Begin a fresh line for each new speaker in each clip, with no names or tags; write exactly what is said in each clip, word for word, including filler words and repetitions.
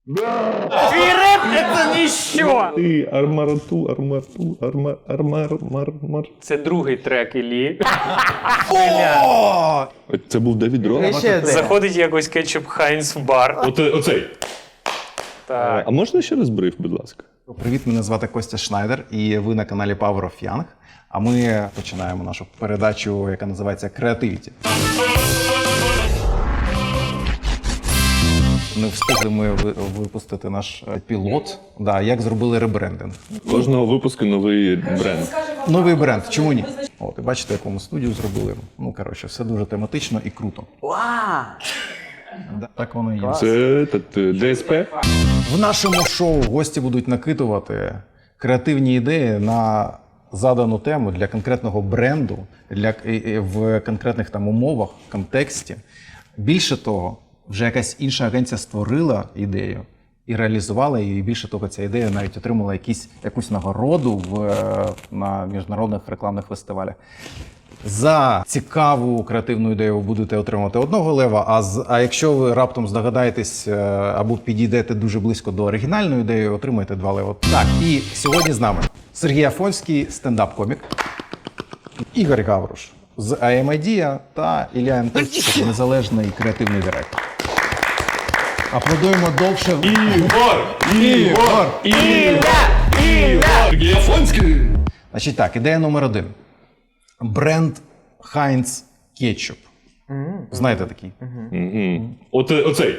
Твій реп – це ніщо!
Ти армарату, армарту, армар, армар, мар, мар.
Це другий трек Іллі.
О!
Це був Девід Рок?
І ще один.
Заходить якось кетчуп Хайнс в бар.
Оце, оцей.
Так.
А можна ще раз бриф, будь ласка?
Привіт, мене звати Костя Шнайдер, і ви на каналі Power of Young. А ми починаємо нашу передачу, яка називається «Креативіті». Не встигли ми ви- випустити наш е, пілот, да, як зробили ребрендинг.
Кожного випуску новий бренд.
Новий бренд, чому ні? От, і бачите, яку ми студію зробили. Ну, коротше, все дуже тематично і круто. Да, так воно і є.
Це та- ДСП.
В нашому шоу гості будуть накидувати креативні ідеї на задану тему для конкретного бренду, для, і- і в конкретних там умовах, контексті. Більше того, вже якась інша агенція створила ідею і реалізувала її. І більше того, ця ідея навіть отримала якісь, якусь нагороду в, е, на міжнародних рекламних фестивалях. За цікаву креативну ідею ви будете отримувати одного лева, а, з, а якщо ви раптом здогадаєтесь е, або підійдете дуже близько до оригінальної ідеї, отримаєте два лева. Так, і сьогодні з нами Сергій Афонський, стендап-комік, Ігор Гавруш з ай ем Idea та Ілля Янковський, незалежний креативний директор. Аплодуємо довше.
Ігор!
Ігор!
Сергій Афонський!
Значить так, ідея номер один. Бренд Heinz Ketchup. Знаєте такий?
Угу. Оце, оцей.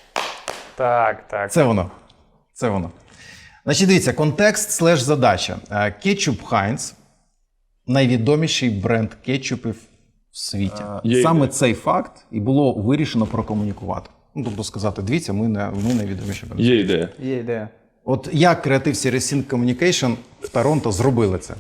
Так, так.
Це воно. Це воно. Значить, дивіться, контекст слеш задача. Е, Кетчуп Heinz – найвідоміший бренд кетчупів в світі.
Є
Саме
ідея.
цей факт і було вирішено прокомунікувати. Ну, тобто сказати, дивіться, ми, не, ми найвідоміші бренд.
Є ідея.
Є ідея.
От як Creative Series Sync Communication в Торонто зробили це?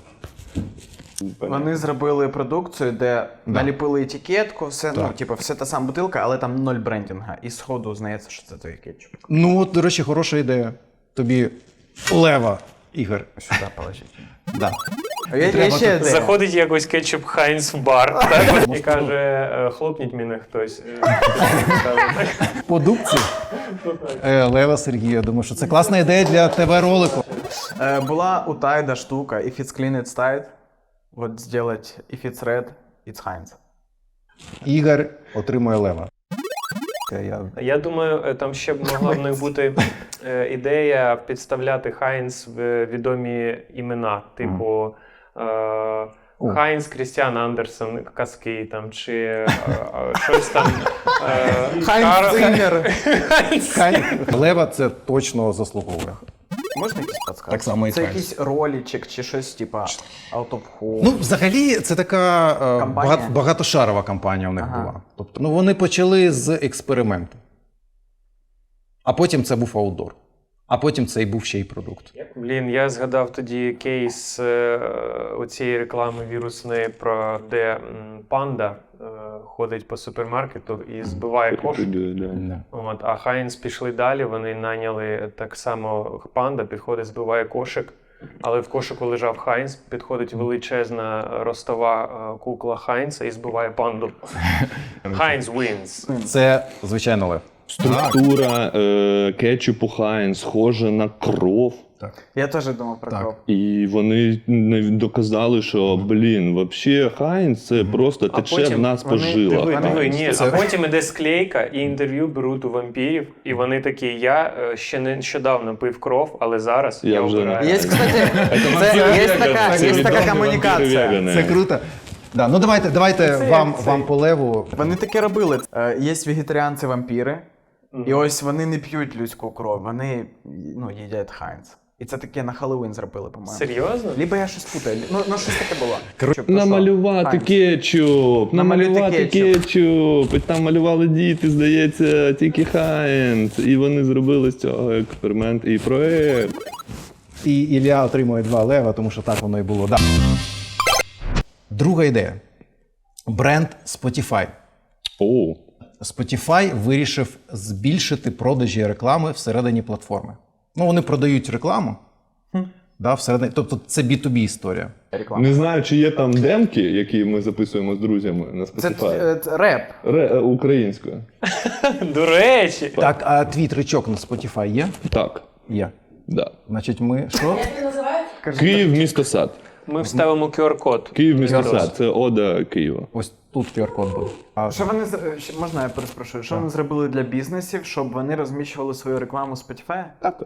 Вони зробили продукцію, де наліпили етикетку, все, ну,
Так.
типу, все та сама бутилка, але там ноль брендінга. І сходу знається, що це той кетчуп.
Ну, от, до речі, хороша ідея. Тобі лева, Ігор.
Сюди положити.
Да.
А є, є
треба
ще
тут-
ідея.
Заходить якось кетчуп Хайнс в бар так, і каже, е, хлопніть мене хтось. Е,
Продукції. Е, Лева Сергій, я думаю, що це класна ідея для ТВ-ролику.
Е, була у Тайда штука, if it's clean, it's Tide. Вот сделать if it's red, it's Heinz.
Ігор отримує лева. Я...
Я думаю, е, там ще б могла в них бути е, ідея підставляти Хайнс в відомі імена, типу е, Хайнс, Крістіан Андерсон, казки там, чи е, е, щось там. Е, Кар-
Циммер.
Хай... Лева це точно заслуговує.
Можна якісь підсказки?
Так само і
Це
Heinz.
якийсь ролічик чи щось, типа out of home.
Ну, взагалі, це така е,
Кампанія?
багат- багатошарова кампанія у них
Ага.
була. Тобто, ну, вони почали з експерименту. А потім це був аутдор. А потім це і був ще й продукт.
Блін, я згадав тоді кейс е, оцієї реклами вірусної, про де м, панда е, ходить по супермаркету і збиває кошик.
Да.
От, а Хайнс пішли далі, вони найняли так само панда, підходить, збиває кошик, але в кошику лежав Хайнс, підходить величезна ростова е, кукла Хайнса і збиває панду. Хайнс wins.
Це, звичайно, лев.
Структура е, кетчупу Хайнс схожа на кров.
Я теж думав про
Так.
кров.
І вони не доказали, що, блін, взагалі Хайнс це просто тече в нас по
вони,
жилах.
диви, диви,
Хайнс.
ні,
Це-
а потім іде склейка і інтерв'ю беруть у вампірів, і вони такі, я е, ще нещодавно пив кров, але зараз я,
Я вже
обираю.
не-
Є, кстати,
Це
це, є
веган,
така,
це
є
відомі
така
вампіри
комунікація.
вегани.
Це круто. Да, ну давайте, давайте
Це
вам,
як цей.
вам по леву.
Вони таке робили. Е, Є вегетаріанці-вампіри, і ось вони не п'ють людську кров, вони ну, їдять Хайнц. І це таке на Хеллоуін зробили, по-моєму.
Серйозно?
Либо я щось путаю. Ну, ну щось таке було. Щоб,
Намалювати
що?
кетчуп,
Намалювати
намалювати
кетчуп.
кетчуп. І там малювали діти, здається, тільки Хайнс. І вони зробили з цього експеримент і проект.
І Ілля отримує два лева, тому що так воно і було. Да. Друга ідея. Бренд Spotify.
О,
Spotify вирішив збільшити продажі реклами всередині платформи. Ну, вони продають рекламу, Да, всередині. Тобто це бі ту бі історія.
Реклама.
Не знаю, чи є там демки, які ми записуємо з друзями на
Це,
Spotify.
е, це реп.
Ре, е, українською.
До речі.
Так, а твій тричок на Spotify є?
Так,
Є.
да.
Значить, ми що?
Київ, місто Сад.
Ми вставимо ку ар-код.
Київ, місто Сад. Це ода Києва.
Ось тут ку ар-код буде. А
Що вони з- ще- можна я перепрошую? Що вони зробили для бізнесів, щоб вони розміщували свою рекламу з Spotify?
Так.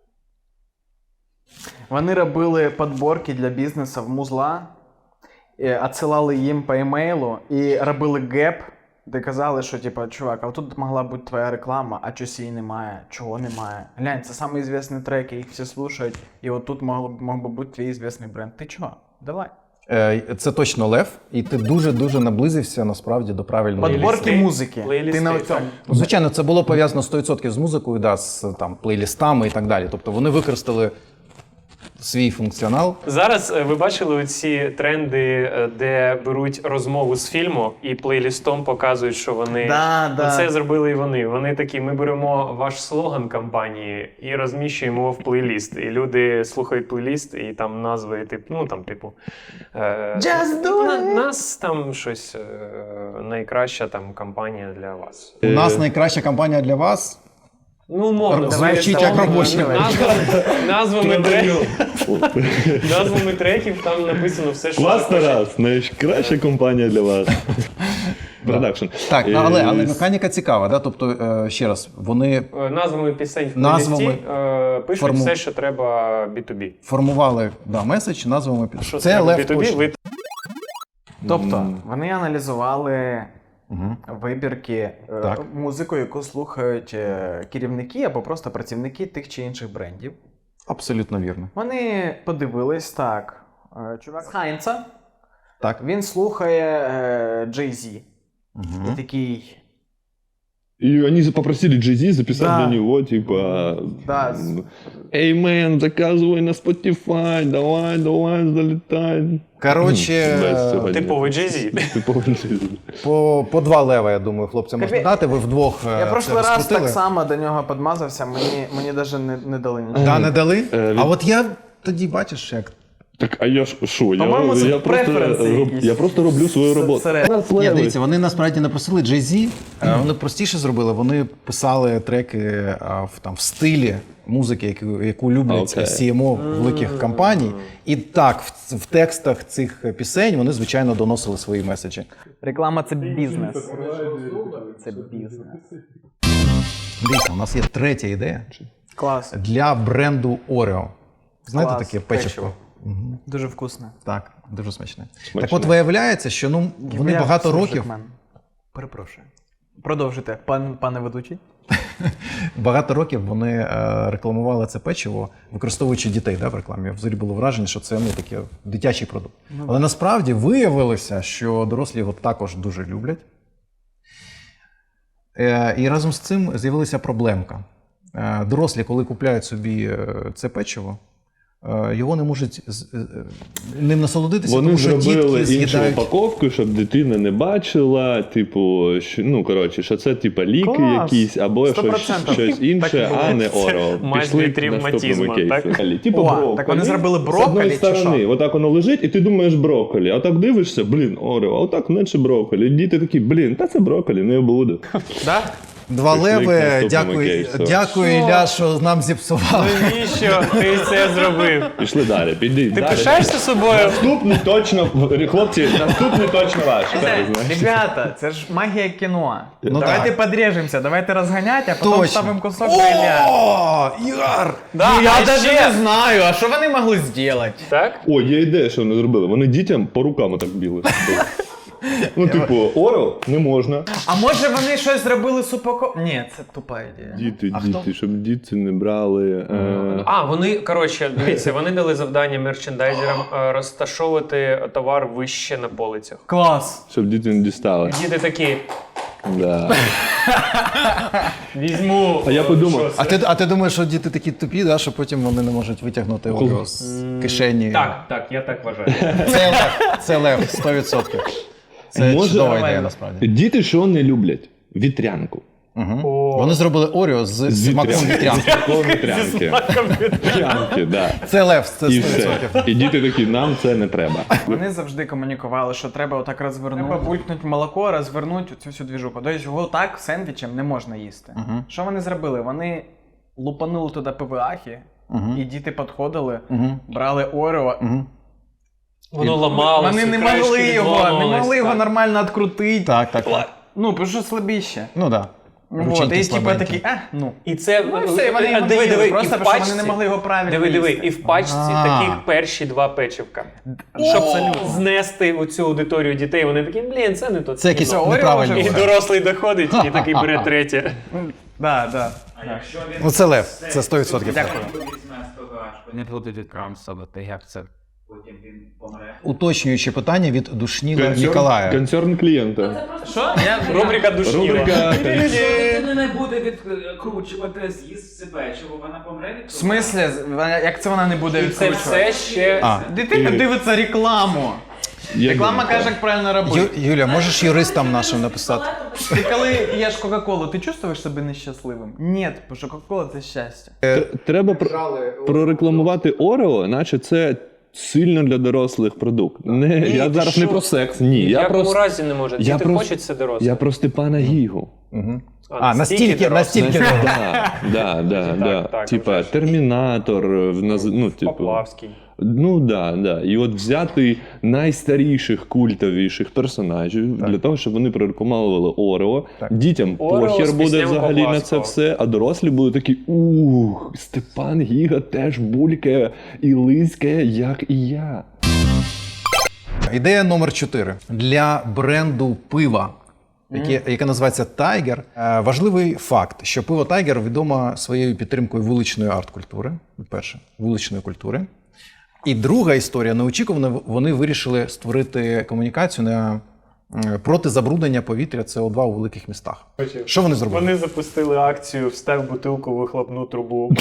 Вони робили подборки для бізнесу в музла, е, відсилали їм по емейлу і робили геп, де казали, що типа, чувак, а тут могла бути твоя реклама, а чогось її немає, чого немає. Глянь, це самий звісний трек, їх всі слухають, і от тут мог, мог би бути твій звісний бренд. Ти чого? Давай.
Е, Це точно Лев, і ти дуже-дуже наблизився насправді до правильної
Подборки
Плейлісти.
музики.
Плейлісти,
Ти на
так.
цьому.
Ну, звичайно, це було пов'язано сто відсотків з музикою, да, з там, плейлістами і так далі. Тобто вони використали свій функціонал.
Зараз е, ви бачили оці тренди, е, де беруть розмову з фільму і плейлістом показують, що вони
Да, да.
це зробили і вони. Вони такі: ми беремо ваш слоган кампанії і розміщуємо його в плейліст. І люди слухають плейліст, і там назви, тип, ну там, типу, е,
Just do
на,
it.
нас там щось е, найкраща там кампанія для вас.
У нас найкраща кампанія для вас.
Ну, умовно,
Звучить
ми
як
там
робочий.
назва- назвами треків, назвами треків там написано все, що
Клас,
захочеш.
Тарас, найкраща компанія для вас. Продакшн.
Так, ну,
Е,
але, але механіка цікава, да? Тобто, е, ще раз, вони
Е, Назвами пісень в
Назвами
плейлісті е, пишуть
форму-
все, що треба бі ту бі.
формували да, меседж назвами під.
Що
Це
треба
Лев
бі ту бі,
точно.
ви
Тобто, вони аналізували
Мгм.
вибірки е,
Так.
музику, яку слухають е, керівники або просто працівники тих чи інших брендів.
Абсолютно вірно.
Вони подивились так. е, Чувак з Хайнца,
Так.
він слухає е, Jay-Z.
Мгм.
І такий.
И они попросили Jay-Z записать
Да.
для него, типа...
Да.
Эй, мэн, заказывай на Spotify, давай, давай, залетай.
Коротше,
Без цього
типовий
ні.
Jay-Z.
Типовий Jay-Z.
по, по два лева, я думаю, хлопцям можна
Капі-
дати. Ви вдвох. е,
Я
це
прошлий раз
розкрутили.
так само до нього підмазався, мені, мені навіть не, не дали нічого.
Да, не дали?
Е,
А от я тоді бачиш, як.
Так, а я ж що? Я,
По-моєму, це
я, просто,
преференси
роб-
якісь.
я просто роблю свою
Це-
роботу.
це-
Нас
Ні,
леви.
дивіться, вони насправді не просили Jay-Z, е, вони простіше зробили, вони писали треки е, в, там, в стилі музики, яку, яку люблять
Окей.
сі ем о великих компаній. І так, в, в текстах цих пісень вони, звичайно, доносили свої меседжі.
Реклама це бізнес. Це бізнес.
Дивіться, у нас є третя ідея
Клас.
для бренду Oreo. Знаєте
Клас.
таке печиво?
Печиво. Дуже вкусно.
Так, дуже смачне.
Смачне.
Так от виявляється, що ну, вони
Я
багато
слушаю,
років,
Мен. Перепрошую. Продовжуйте, пан, пане ведучий.
багато років вони е, рекламували це печиво, використовуючи дітей да, в рекламі. Взагалі було враження, що це ну, таке дитячий продукт. Але насправді виявилося, що дорослі його також дуже люблять. Е, і разом з цим з'явилася проблемка. Е, дорослі, коли купляють собі е, це печиво, е, його не можуть з- е, ним насолодитися,
Вони
тому що
зробили
дітки
іншу
з'їдають.
упаковку, щоб дитина не бачила, типу, що, ну, коротше, що це типа ліки
Клас!
якісь, або
Сто
щось,
процентів.
щось
Так і
інше,
було.
а не
Це
Орео.
майже
Пішли
від
к
ревматизму,
наступному кейсу.
так?
Далі, Типу
О,
брокколі.
так вони зробили
З
брокколі
одної
чи
сторони,
що?
отак воно лежить, і ти думаєш брокколі, а так дивишся, блін, Орео, а отак менше брокколі. Діти такі, блін, та це брокколі, не буду.
Да?
Два
Пішли к
леви,
наступному
дякую,
кейсу.
дякую Ілля, що нам зіпсував.
Навіщо ти це зробив?
Пішли далі, піди.
Ти
далі.
пишаєшся собою?
Наступний точно, хлопці, наступний точно ваш. Зараз, знаєш.
Ребята, це ж магія кіно.
Ну
давайте
так.
подрежемося, давайте розганяти, а потім
Точно.
ставимо кусок Ілля.
О, Ігор!
Да,
Ну, я
а
навіть
ще-
не знаю, а що вони могли зробити?
Так?
О, є ідея, що вони зробили. Вони дітям по рукам так біли. Ну, типу, Орео не можна.
А може вони щось зробили з упако... Ні, це тупа ідея.
Діти,
А
діти,
хто?
щоб діти не брали. Е...
А, вони, коротше, дивіться, вони дали завдання мерчендайзерам е, розташовувати товар вище на полицях.
Клас.
Щоб діти не дістали.
Діти такі,
Да.
візьму.
А я
е,
подумав,
що
А
це?
ти, а ти думаєш, що діти такі тупі, да, що потім вони не можуть витягнути Орео з кишені?
Так, так, я так вважаю.
Це лев, це лев, сто відсотків. Це
Може,
чудова ідея,
нормально.
насправді.
Діти що не люблять? Вітрянку.
Угу.
О.
Вони зробили Оріо з
З
смаком вітрянки.
вітрянки. Вітрянки, да.
Це лев, це
І
сто відсотків.
все. І діти такі, нам це не треба.
Вони завжди комунікували, що треба отак розвернути. Треба булькнути молоко, розвернути цю всю двіжуху. Тобто його так сендвічем не можна їсти.
Мгм.
Що вони зробили? Вони лупанули туди ПВАхи,
Мгм.
і діти підходили,
Мгм.
брали Орео.
Мгм.
Воно ламалося.
Вони не
краєчки
могли його, не
відламувались,
могли його
так.
нормально відкрутити.
Так, так, так.
Ну, тому що слабіще.
Ну так.
Вот, і типа такі, а, ну.
І це
Ну і все, вони його
диви, диви,
просто,
і в
тому що
пачці,
вони не могли його правильно
диви, диви,
їсти.
і в пачці
А.
таких перші два печивка. Щоб знести оцю аудиторію дітей, вони такі, блін, це не то.
Це якісь
Це Оріо
неправильні.
І
вже.
дорослий доходить і такий бере третє.
Да, да.
Ну це лев, це сто відсотків.
Дякую.
Не буде крамсово, та як це потім він помре.
Уточнююче питання від Душніла Ніколая.
Концерн клієнта.
Що? Я
Рубрика душніла.
Рубрика
Людина не буде відкручувати з'їзд себе, чого вона помре від
В смислі, вона- як це вона не буде
І це
відкручувати?
все ще...
А,
Дитина
І-
дивиться рекламу.
Я
Реклама
думаю,
каже, як правильно робити.
Ю- Юля, можеш юристам нашим написати?
Ти коли п'єш Кока-Колу, ти чувствуєш себе нещасливим? Ні, тому що Кока-Кола це щастя.
Т- Треба про- прорекламувати Орео, наче це сильно для дорослих продукт. Не, я
ти
зараз
що?
не про секс, ні.
В
Я
якому
про,
разі не може.
я
Діти
про-
хочуть це дорослі.
я про Степана Гігу.
Угу.
А,
А, настільки,
дорослі.
настільки.
Да, да, да, да.
так,
Типа
вже ж.
Термінатор, в наз- ну, типу.
Поплавський.
Ну да, да. І от взяти найстаріших культовіших персонажів для того, щоб вони прорекламували Орео.
Так.
Дітям
Орео
похер
з
буде
піснями
взагалі на це
Поплавського.
все, а дорослі будуть такі: ух, Степан Гіга теж булькає і лизькає, як і я.
Ідея номер чотири. Для бренду пива, яке, яке називається Tiger. Е, Важливий факт, що пиво Tiger відомо своєю підтримкою вуличної арт-культури. Перше, вуличної культури. І друга історія, неочікувано, вони вирішили створити комунікацію на е, проти забруднення повітря С О два у великих містах. Що вони зробили?
Вони запустили акцію «Встав бутилку в вихлопну трубу».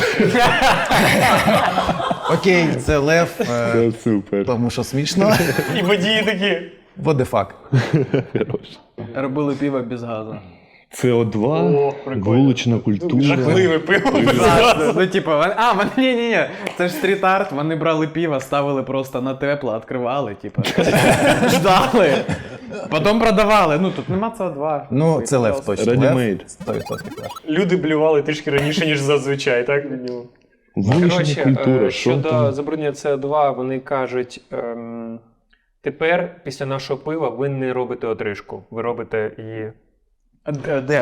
Окей, це лев, е,
Це супер.
тому що смішно.
І водії такі.
What the fuck?
Робили пиво без газу.
С О два,
О, прикольно.
вулична культура.
Жахливе пиво.
Ну, типу, вони- а, вони, ні, ні, ні, це ж стріт-арт, вони брали пиво, ставили просто на тепло, відкривали, типу, ждали, потім продавали. Ну, тут нема С О два.
Ну, це лев точно.
Ready-made.
Лев, сто відсотків лев.
Люди блювали трішки раніше, ніж зазвичай, так? Ну,
Вулична
Коротше,
культура,
е,
що
щодо
там?
забруднення С О два, вони кажуть, ем, тепер після нашого пива ви не робите отрижку, ви робите її.
Де? Де?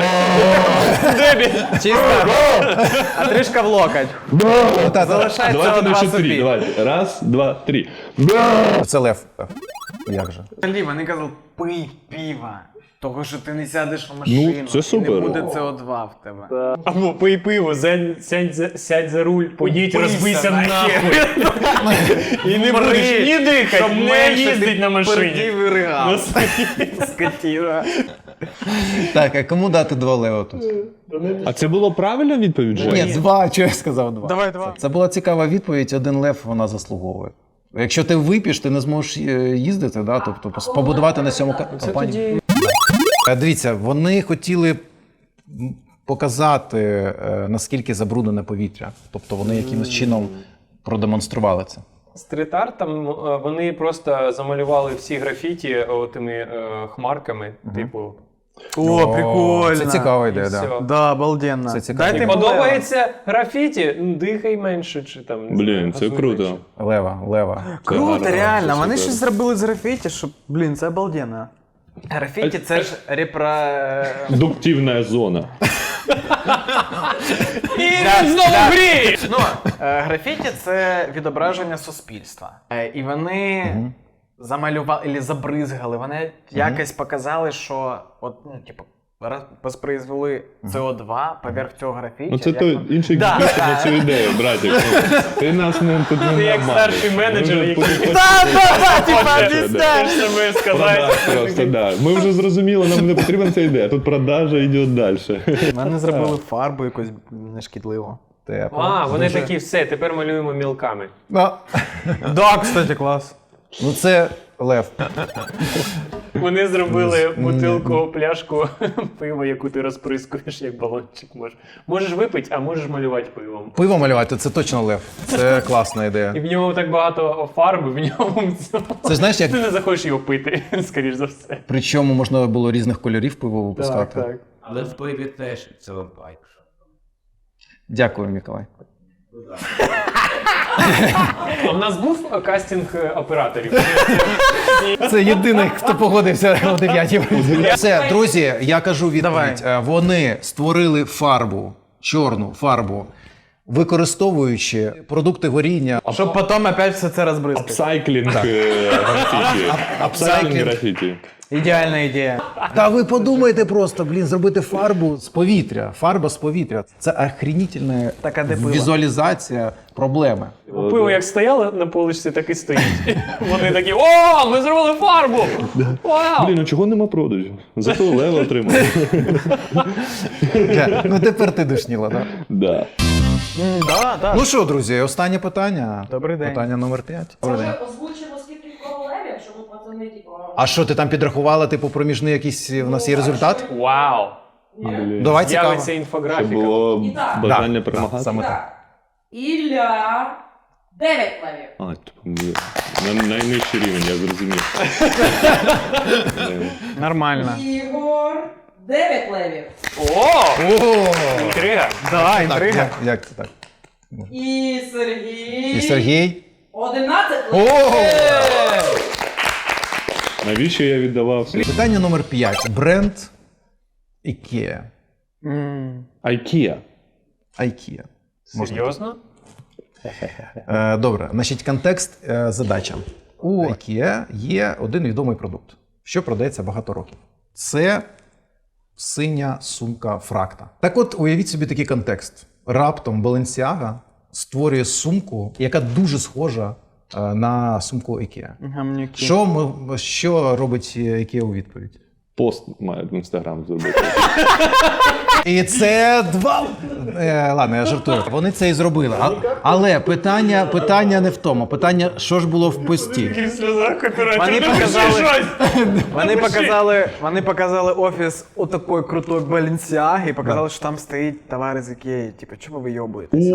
Чисто, а трішка в локоть. Залишається
Давайте на
два
чотири,
собі.
давайте. Раз, два, три.
Це лев. Як же?
Взагалі, вони казали, пий пиво, того, що ти не сядеш в машину,
Ну, це
і
супер.
не буде С О два в тебе.
Або пий пиво, сядь, сядь, за- сядь за руль, поїдь,
Убийся
розбийся
нахер.
нахуй. І не
Мри,
будеш ні дихати,
щоб
не
менше
їздить
ти
на машині.
пердів і ригав.
Ну,
Скотіна.
Так, а кому дати два лева тут?
А це було правильна відповідь, Женя?
Ні, два, чого я сказав два.
Давай, два.
Це була цікава відповідь, один лев вона заслуговує. Якщо ти вип'єш, ти не зможеш е, їздити, да? Тобто пос- побудувати на цьому ка-
Це
компанію.
тоді
Е, Дивіться, вони хотіли м, показати, е, наскільки забруднене повітря. Тобто вони якимось чином продемонстрували це.
стріт-артом е, вони просто замалювали всі графіті е, тими е, хмарками, типу.
О, прикольно.
Це цікава ідея,
І
да.
все.
Да, обалденно.
Це цікаво.
Дайте
Подобається графіті, ну, дихай менше чи там. не
Блін,
знаю,
це
газуй
круто.
менше.
Лева, лева.
Круто,
гарно,
реально.
це
Вони
супер.
щось зробили з графіті, що, блін, це обалденно. Графіті це ж репро...
Дуктивна зона.
І він знову гріє!
Ну, е, графіті це відображення суспільства. Е, І вони замалювали, або забризгали, вони якось показали, що от, ну, типу, раз- воспроизвели С О два поверх цього графіті.
Ну це
як
той
вони-
інший
Да,
гіпіст
да.
на цю ідею, братик. Ну, Ти нас не тут не
Ти як
нормальний.
старший менеджер,
Ми вже
який-
потім-
Да, да, да, типа,
Хоче,
об'ясняй.
Те ж саме
Продаж
сказати.
просто, да. Ми вже зрозуміли, нам не потрібна ця ідея. Тут продажа йде далі.
Вони зробили фарбу якусь нешкідливу.
Тепло.
А, вони
Дуже-
такі, все, тепер малюємо мілками.
Ну,
Да, кстати, клас.
ну це лев.
Вони зробили бутилку, пляшку пива, яку ти розприскуєш, як балончик можеш. Можеш випити, а можеш малювати пивом.
Пиво малювати, це точно лев. Це класна
І
ідея.
в нього так багато фарби, в ньому
Це знаєш, як
ти не захочеш його пити, скоріш за все.
причому можна було різних кольорів пиво
Так,
випускати.
так.
Але в пиві теж це байк.
Дякую, Миколай.
А в нас був кастинг операторів.
Це єдиний, хто погодився о дев'ятій. Все, друзі, я кажу відповідь. Е, Вони створили фарбу, чорну фарбу, використовуючи продукти горіння.
Щоб потім опять все це розбризкати.
Апсайклінг е, графіті. Апсайклінг
апсайклінг.
графіті.
Ідеальна ідея.
Та ви подумайте просто, блін, зробити фарбу з повітря. Фарба з повітря. Це охренітельна
Так, а де пиво?
візуалізація проблеми.
Пиво як стояло на поличці, так і стоїть. Вони такі: о, ми зробили фарбу! Вау!
Блін, а чого нема продажу? Зато лев отримав.
Е, Ну тепер ти душніла, так?
Да.
Да, да.
Ну що, друзі, останнє питання.
Добрий день.
Питання номер п'ять.
Може, озвучимо скільки королевів, щоб ми пацани, типу...
А що, ти там підрахувала, типу, проміжний якийсь у нас є результат?
Вау!
Блін.
Давай цікаво.
З'явиться
Щоб
інфографіка.
було
І так.
бажання
Да,
перемагати.
да, саме так.
Так. Ілля... Дев'ять левів.
А, типу, блін. На найнижчий рівень, я зрозумів.
Нормально.
Ігор... Дев'ять левів.
О! Інтрига.
Да,
Так,
інтрига.
як, як це так?
І Сергій...
І Сергій?
Одинадцять
О!
левів.
Навіщо я віддавав свій?
Питання номер п'ять. Бренд IKEA.
М.
IKEA.
IKEA.
Серйозно?
Е, добре, значить, контекст, е, задача. У IKEA є один відомий продукт, що продається багато років. Це синя сумка Фракта. Так от, уявіть собі такий контекст. Раптом Balenciaga створює сумку, яка дуже схожа е, на сумку IKEA.
Гамнюки.
Що, ми, що робить IKEA у відповідь?
Пост має в інстаграм зробити.
І це два. Е, ладно, я жартую. Вони це і зробили. А, але питання, питання не в тому. Питання, що ж було в пості.
Вони показали, вони показали, вони показали офіс у такої крутої Balenciaga і показали, що там стоїть товар з Ікеї. Типу, чого ви йобуєтеся?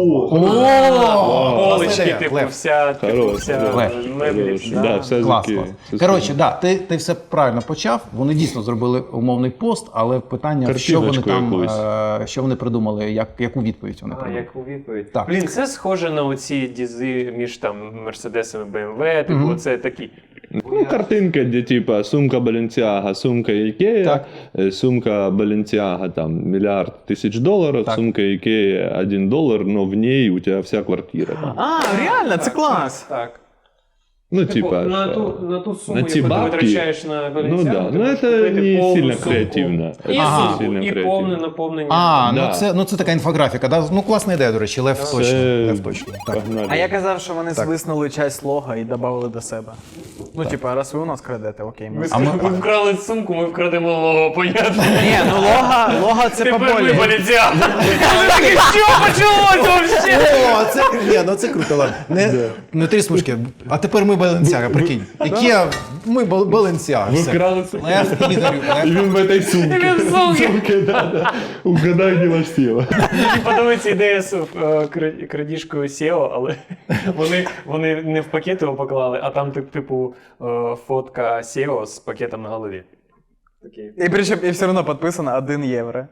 Полички, типу,
Лев.
вся, типу,
Хорош,
вся
Лев.
меблі.
Хорош. Да, все з
Клас,
IKEA.
клас.
Все з
Коротше,
IKEA.
да, ти, ти все правильно почав. Вони дійсно зробили умовний пост, але питання, що вони
Картиночку
там,
якусь.
е, що вони придумали, як, яку відповідь вони
А,
придумали.
як у відповідь.
Так.
Блін, це схоже на оці дізи між там Мерседесами, бе ем ве, типу,
Мгм.
це такі.
Ну, картинка, де типа сумка Balenciaga, сумка IKEA,
Так.
е, сумка Balenciaga там миллиард тысяч долларов,
Так.
сумка IKEA один доллар, но в ней у тебя вся квартира. Там.
А, реально, це клас.
Так.
Ну,
Типу,
типа,
на
що-
ту, на ту суму,
на ці
яку ти
бабки,
витрачаєш на
ну
Balenciaga,
да,
ти
ну
можеш
это
купити
не
повну
сильно
сумку.
креативно.
І
Это
Ага.
не
сумку,
сильно
і
креативно.
повне наповнення.
А,
Да.
ну це, ну це така інфографіка. Да? Ну класна ідея, до речі, Лев точно.
Це-
Лев точно. Так.
Погнали.
А я казав, що вони
Так.
свиснули часть лога і додали до себе. Ну, типа, раз ви у нас крадете, окей. Ми...
Ми,
А ми-
ми вкрали сумку, ми вкрадемо лого, понятно?
Ні, ну лога, лога це
Тепер ми
поболі.
Balenciaga. Ми такі, що почалось вообще?
О, це, ні, ну це круто, ладно. Не, не три смужки. А тепер ми Balenciaga, прикинь. Ікеа, ми Бал- Balenciaga.
Ви
все.
вкрали сумку.
Лев, Ігор,
І
Лев.
він в этой сумке.
Він в сумці.
Сумки, да, да. Угадай, де ваш сила.
Мені подобається ідея з е, кра- крадіжкою сео, але вони, вони не в пакет його поклали, а там тип- типу е, фотка сео з пакетом на голові. Такий.
І причому і все одно підписано один євро.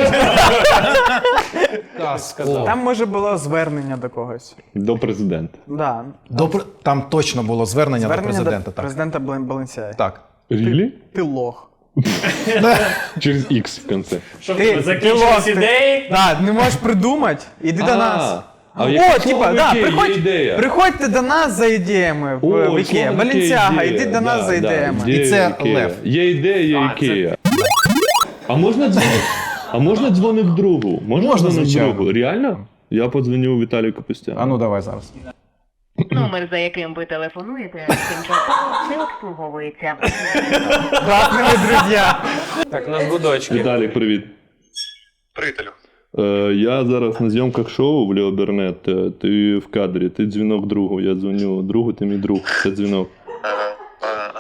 Сказав.
Там може було звернення до когось.
До президента.
Да.
До пр- Там точно було звернення,
Звернення
до президента.
до
Так.
президента Бален- Balenciaga.
так.
Рілі?
Ти лох.
Через X в конце.
Що
Ти-
ти, закінчились
ти-
ідеї?
Да, не можеш придумати, іди до
А,
нас.
а
О,
яке
типа,
слово
да,
«Ікея» є
приходь,
ідея?
приходьте до нас за ідеями в,
О,
в Ікея.
слово таке
Balenciaga,
ідея.
йди до нас
Да,
за
да,
ідеями.
ідея
І це
Ікея.
Лев.
Є ідея, є
А, це-
Ікея. А можна дзвонити? А можна дзвонити другу? Можна,
Можна,
дзвонити
звичайно.
другу? Реально? Я подзвоню Віталію Капустяну.
А ну давай зараз.
Номер, за яким ви телефонуєте, тимчасово не обслуговується.
Класними друзі.
Так, у нас гудочки.
Віталік, привіт.
Приятелю.
Е, я зараз на зйомках шоу в Лео Бернет. Е, Ти в кадрі, ти дзвінок другу. Я дзвоню другу, ти мій друг. Це дзвінок.
Ага, ага, ага.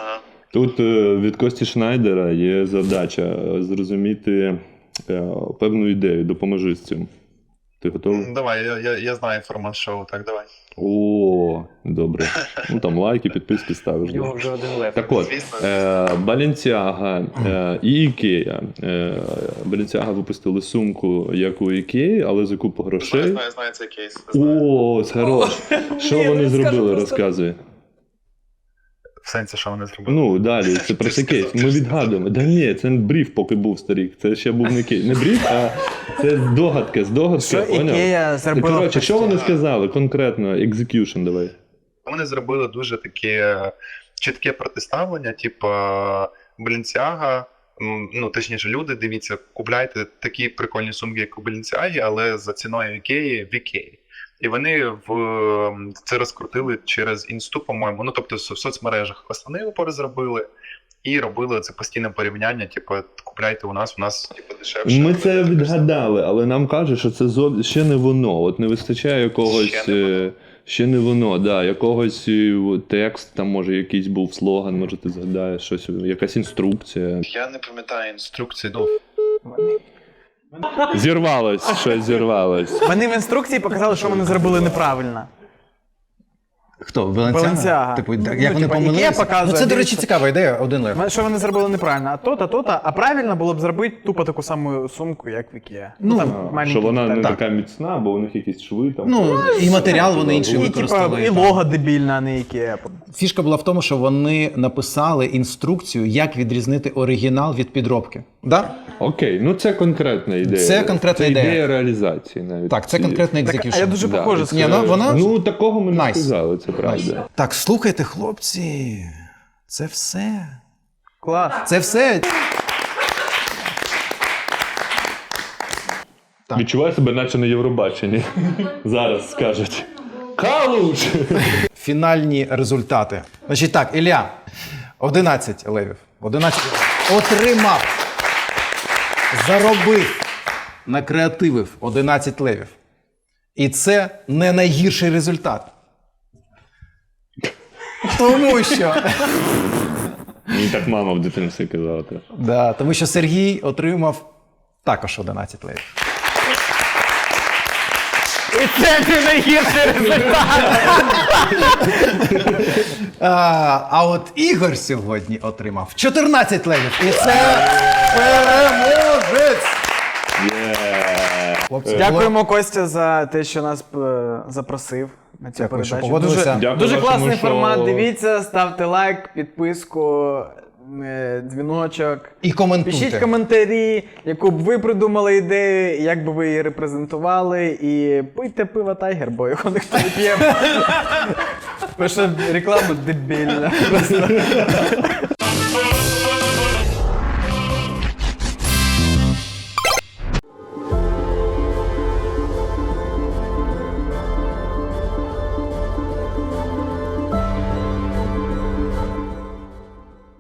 Тут е, від Кості Шнайдера є задача зрозуміти е, певну ідею. Допоможи з цим. Ти готовий?
Давай, я, я, я знаю формат шоу, так давай.
О, добре. Ну там лайки, підписки ставиш.
В нього вже один лев.
Так от,
Звісно.
е, Balenciaga е, і Ікея. Е, Balenciaga випустили сумку, як у Ікеї, але за купу
Знаю,
грошей.
знаю, знаю цей кейс. Знаю.
О, хорош. Що
Ні,
вони
ну, скажи
зробили,
просто.
розказуй.
В сенсі, що вони зробили?
Ну, далі, це про це кейс. Ми відгадуємо. Да ні, це не бриф, поки був старік. Це ще був не кейс. Не бриф, а це здогадка, здогадка.
Що
поняв?
Ікея зробила?
Коротше,
в
що вони
Кості?
сказали конкретно? Execution давай.
Вони зробили дуже таке чітке протиставлення, типу Balenciaga, м, ну точніше, люди, дивіться, купляйте такі прикольні сумки, як у Balenciaga, але за ціною Ікеї в Ікеї. І вони в це розкрутили через інсту, по-моєму. Ну тобто в соцмережах основний упор зробили і робили це постійне порівняння. Типу, купляйте у нас, у нас типу дешевше.
Ми це відгадали, але нам кажуть, що це зо- ще не воно. От не вистачає якогось.
Ще не воно.
е, Ще не воно, да, якогось е, текст, там може якийсь був слоган, може ти згадаєш щось, якась інструкція.
Я не пам'ятаю інструкції, ну
Зірвалось, щось зірвалось.
Вони в інструкції показали, що вони зробили неправильно.
Хто? Balenciaga?
Balenciaga.
Типу, як
Ну,
вони
типа, Ікея
помилилися?
показує,
Ну, це, до речі,
дивіться.
цікава ідея, один лев.
Що вони зробили неправильно, а то-то, то-то, а правильно було б зробити тупо таку саму сумку, як в Ікея.
Ну,
А,
маленькі
що вона не
деталі.
така міцна, бо у них якісь шви там.
Ну, і матеріал вони інший
І, типа,
використали.
і лого дебільне, а не Ікея.
Фішка була в тому, що вони написали інструкцію, як відрізнити оригінал від підробки. Да?
Окей, ну це конкретна ідея.
Це конкретна
це
ідея.
ідея реалізації навіть.
Так, це
І-
конкретний
Так,
екзекюшн.
а я дуже
Да.
похоже
Ні,
сказав.
ну, вона...
Ну, такого ми не
Найс.
сказали, це правда.
Так, слухайте, хлопці, це все.
Клас.
Це все. Так.
Відчуваю себе, наче на Євробаченні. Зараз скажуть. Калуш!
Фінальні результати. Значить так, Ілля, одинадцять левів. одинадцять отримав, заробив, накреативив одинадцять левів. І це не найгірший результат. Тому що,
Мені так мама в дитинстві казала теж.
да, тому що Сергій отримав також одинадцять левів.
І це не найгірший результат.
А, а от Ігор сьогодні отримав чотирнадцять левів. І це переможець! Хлопці,
Дякуємо, Костя, за те, що нас е, запросив на цю
Дякую, що
передачу.
погодилися.
Дуже,
Дякую
дуже
вашому
класний
шоу.
формат. Дивіться, ставте лайк, підписку, е, дзвіночок.
І коментуйте.
Пишіть коментарі, яку б ви придумали ідею, як би ви її репрезентували. І пийте пиво Тайгер, бо його ніхто не п'є. Тому що реклама дебільна. Просто.